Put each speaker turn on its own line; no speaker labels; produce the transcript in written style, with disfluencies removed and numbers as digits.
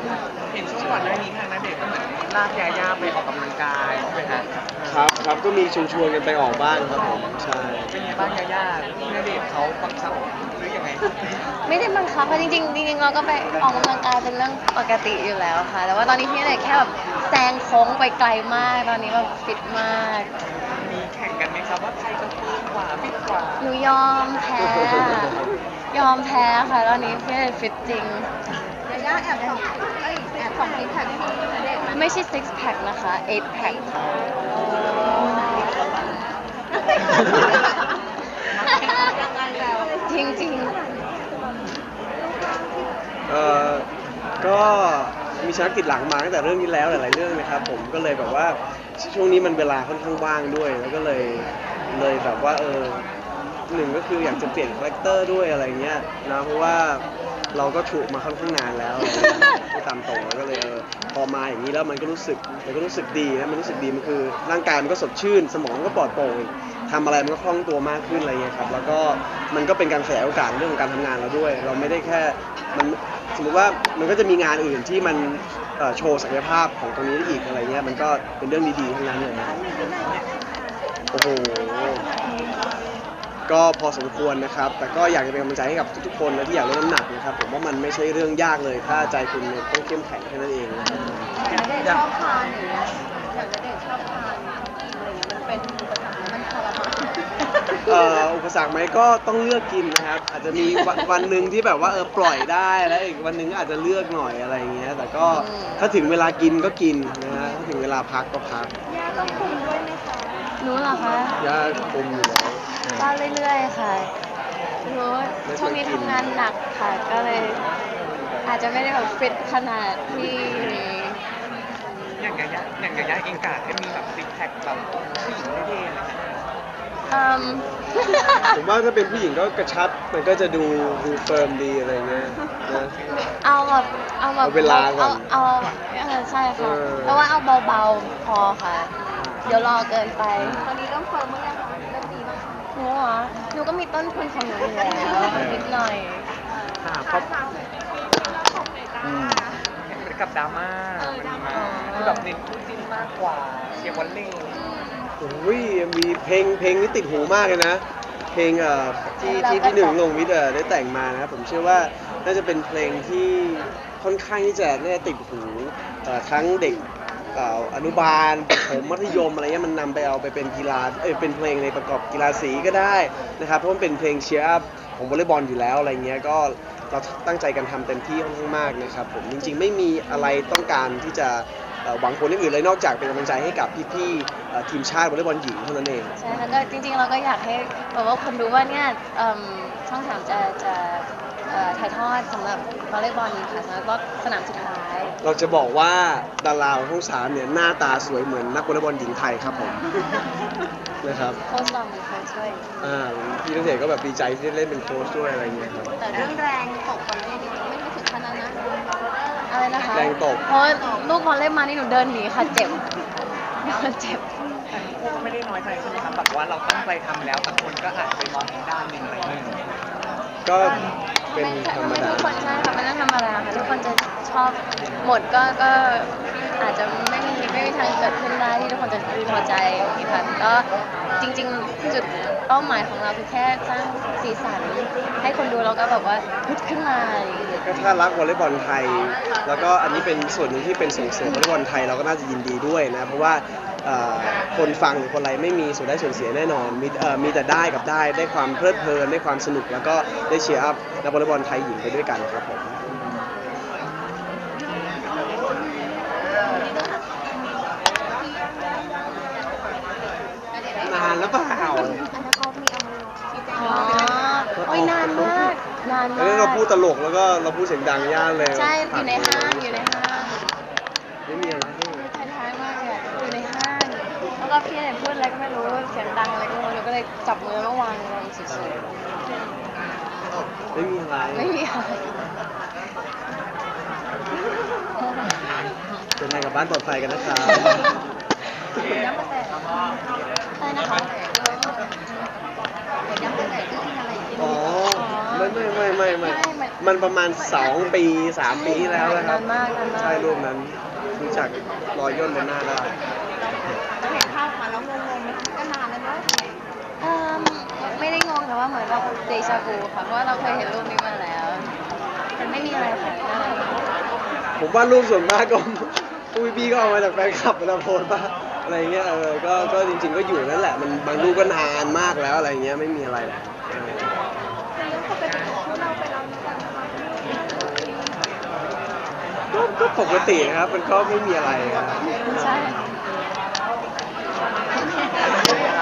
เห็นช่วงก่อนหน้านี้ทางณเดชน์ก็เหมือนลากยาย่าไปออกกำลังกายใช่ไหมฮะ
ครับก็มีชวนกันไปออกบ้างครับผมใช่
เป็นไงบ้างยาย่าณเดชน์เขาบังคับหรือยังไง
ไม่ได้บังคับค่ะจริงๆจริงๆเราก็ไปออกกำลังกายเป็นเรื่องปกติอยู่แล้วค่ะแต่ว่าตอนนี้พี่เนี่ยแค่แบบแซงโค้งไปไกลมากตอนนี้แบบฟิตมาก
มีแข่งกันไหมครับว่าใครจะฟิตกว่าฟิตกว่า
หนูยอมแพ้ยอมแพ้ค่ะตอนนี้พี่เนี่ยฟิตจริง
ยาย่าแอบส่องแอบส่องซิกแพคให้พี่ณเดชน์ไหม
ไม่ใช่ six pack นะคะ eight pack ค่ะจริงๆ
ก็มีชนักติดหลังมาตั้งแต่เรื่องนี้แล้วหลายๆเรื่องนะครับผมก็เลยแบบว่าช่วงนี้มันเวลาค่อนข้างว่างด้วยแล้วก็เลยแบบว่าหนึ่งก็คืออยากจะเปลี่ยนคาแรคเตอร์ด้วยอะไรเงี้ยนะเพราะว่าเราก็ถูกมาค่อนข้างนานแล้วที่ตามตรงแล้วก็เลยพอมาอย่างนี้แล้วมันก็รู้สึกดีนะมันรู้สึกดีมันคือร่างกายมันก็สดชื่นสมองก็ปลอดโปร่งทำอะไรมันก็คล่องตัวมากขึ้นอะไรเงี้ยครับแล้วก็มันก็เป็นการขยายโอกาสเรื่องของการทำงานเราด้วยเราไม่ได้แค่มันสมมติว่ามันก็จะมีงานอื่นที่มันโชว์ศักยภาพของตรงนี้ได้อีกอะไรเงี้ยมันก็เป็นเรื่องดีๆทั้งนั้นเลยนะโอ้โหก็พอสมควรนะครับแต่ก็อยากจะเป็นกำลังใจให้กับทุกๆคนนะที่อยากลดน้ำหนักนะครับผมว่ามันไม่ใช่เรื่องยากเลยถ้าใจคุณต้องเข้มแข็งแค่นั้นเองนะครับ
ณเดชน์ชอบทานอย่างเงี้ยอย่างณเดชน์ชอบทานอะไรอย่างเงี้ยมันเป็นอุปสรรคมันทรมาน
อุปสรรคไหมก็ต้องเลือกกินนะครับอาจจะมีวันหนึ่งที่แบบว่าปล่อยได้แล้วอีกวันหนึ่งอาจจะเลือกหน่อยอะไรอย่างเงี้ยแต่ก็ถ้าถึงเวลากินก็กินนะฮะถ้าถึงเวลาพักก็พัก
ย่าต้องคุมด้วยไหมคะ
หนูเหรอคะ
ยาคุมอยู่แล้ว
ก็เรื่อยๆค่ะหนูช่วงนี้ทำงานหนักค่ะ ก็เลยอาจจะไม่ได้แบบฟิตขนาดที่นี้
อย่างยาย่าเองกะให้มีแบบซิกแพคแบบผู้หญิงเท่ๆเลยนะ
ผมว่าถ้าเป็นผู้หญิงก็กระชับมันก็จะดูเฟิร์มดีอะไรเงี้ยนะ
เอาแบบ
เอาเวลาก่อน
ใช่ค่ะ
เออ
เพราะว่าเอาเบาๆพอค่ะ เดี๋ยวรอเกินไป
ตอนนี้เริ่มเฟิร์มเมื่อไหร่คะเริ่มดีมากคะ
หนูเหรอหนูก็มีต้นทุนของหนูอยู่แล้วนิดหน่อย
ค่ะเพราะเหมือนกับดราม่ามันมีมาคือแบบเน้นคู่จิ้นมากกว่าเชียร์วอลเลย์
โอ้ยมีเพลงนี้ติดหูมากเลยนะ เพลงที่พี่หนึ่งลงวิทย์ได้แต่งมานะครับผมเชื่อว่าน่าจะเป็นเพลงที่ค่อนข้างที่จะน่าจะติดหูทั้งเด็กอนุบาลประถมมัธยมอะไรเงี้ยมันนำไปเอาไปเป็นกีฬาเป็นเพลงในประกอบกีฬาสีก็ได้นะครับเพราะมันเป็นเพลงเชียร์อัพของวอลเลย์บอลอยู่แล้วอะไรเงี้ยก็เราตั้งใจกันทำเต็มที่ค่อนข้างมากนะครับผมจริงๆไม่มีอะไรต้องการที่จะหวังผลอย่างอื่นเลยนอกจากเป็นกำลังใจให้กับพี่ๆทีมชาติวอลเลย์บอลหญิงเท่านั้นเอง
ใช่แล้วก็จริงๆเราก็อยากให้แบบว่าคนรู้ว่าเนี่ยช่องสามจะถ่ายทอดสำหรับวอลเลย์บอลค่ะสำหรับรอบสนามสุดท้าย
เราจะบอกว่าดาราของช่องสามเนี่ยหน้าตาสวยเหมือนนักวอลเลย์บอลหญิงไทยครับผม นะครับ
โค้ชลองเป็นโค้ชช่วย
พี่ณเดชน์ก็แบบดีใจที่ได้เล่นเป็นโค้ชด้วยอะไรเงี้ยครับ
แต่เรื่องแรงตกคนเล่นไม่ถึงขนาดนั้นนะ
อะไรนะคะ
แรงตก
เพราะลูกบอลเล่นมานี่หนูเดินหนีค่ะเจ็บเจ็บ
แต่พวกก็ไม่ได้น้อยใจใช่ไหมครับแบบว่าเราตั้งใจทำแล้วแต่คนก็อาจจะไปมองอีกด้านหนึ่งอะไรอย่างเงี้ย
ก็เป็นธรรมดา
ทุกคนใช่ค่ะเป็นเรื่องธรรมดาค่ะทุกคนจะชอบหมดก็อาจจะไม่มีทางเกิดขึ้นได้ที่ทุกคนจะพอใจอย่างนี้ค่ะก็จริงๆจุดเป้าหมายของเราคือแค่สร้างสีสันให้คนดูแล้วก็แบบว่าฮึดขึ้นมาอะไรอย่างเงี้ย
ก็ถ้ารักวอลเลย์บอลไทย แล้วก็อันนี้เป็นส่วนหนึ่งที่เป็นส่งเสริมวอลเลย์บอลไทยเราก็น่าจะยินดีด้วยนะเพราะว่าคนฟังหรือคนอะไรไม่มีส่วนได้ส่วนเสียแน่นอนมีแต่ได้กับได้ความเพลิดเพลินได้ความสนุกแล้วก็ได้เชียร์อัพนักวอลเลย์บอลไทยหญิงไปด้วยกันครับผมนานแล้วเปล่า
อันนั้นเขามีเอามาชี้แจง
อ๋อโอ้ยนานมากนาน
แล้ว
มาก
เราพูดตลกแล้วก็เราพูดเสียงดังย่านเลย
ใช่อยู่ในห้างอยู่ในห้าง
ไม่มีอะไรให้
ท้ายๆมากเลยอะอยู่ในห้างแล้วก็พี่เนี่ยพูดอะไรก็ไม่รู้เสียงดังอะไรก็ไม่รู้หนูก็เลยจับมือแล้ววางลงเฉย
ไม่มีอะไร
ๆไม่มีอะไร
เดินทางกลับบ้านปลอดภัยกันนะครับ
ย้ำตั้งแต่
อะไรนะคะ
ย้ำตั้งแต่ที่อะไรที่
อ๋อไม่มันประมาณ2 ปี 3 ปีที่แล้วนะครับ
นานมากนานมาก
ใช่รูปนั้นรู้จักรอยย่นบนหน้าได้
เราเห็นภาพมาแล้วงงๆไหมก็นานแล้วเนอะ
เอิ่มไม่ได้งงแต่ว่าเหมือนแบบเดจาวูค่ะเพราะว่าเราเคยเห็นรูปนี้มาแล้วมันไม่มีอะไรค่ะน่ารัก
ผมว่ารูปส่วนมากก็ พวกพี่ๆก็เอามาจากแฟนคลับเวลาโพสต์ป่ะอะไรเงี้ยก็จริงๆก็อยู่นั่นแหละมันบางรูปก็นานมากแล้วอะไรเงี้ยไม่มีอะไรหรอกก็ปกติครับมันก็ไม่มีอะไรครับ
ใช่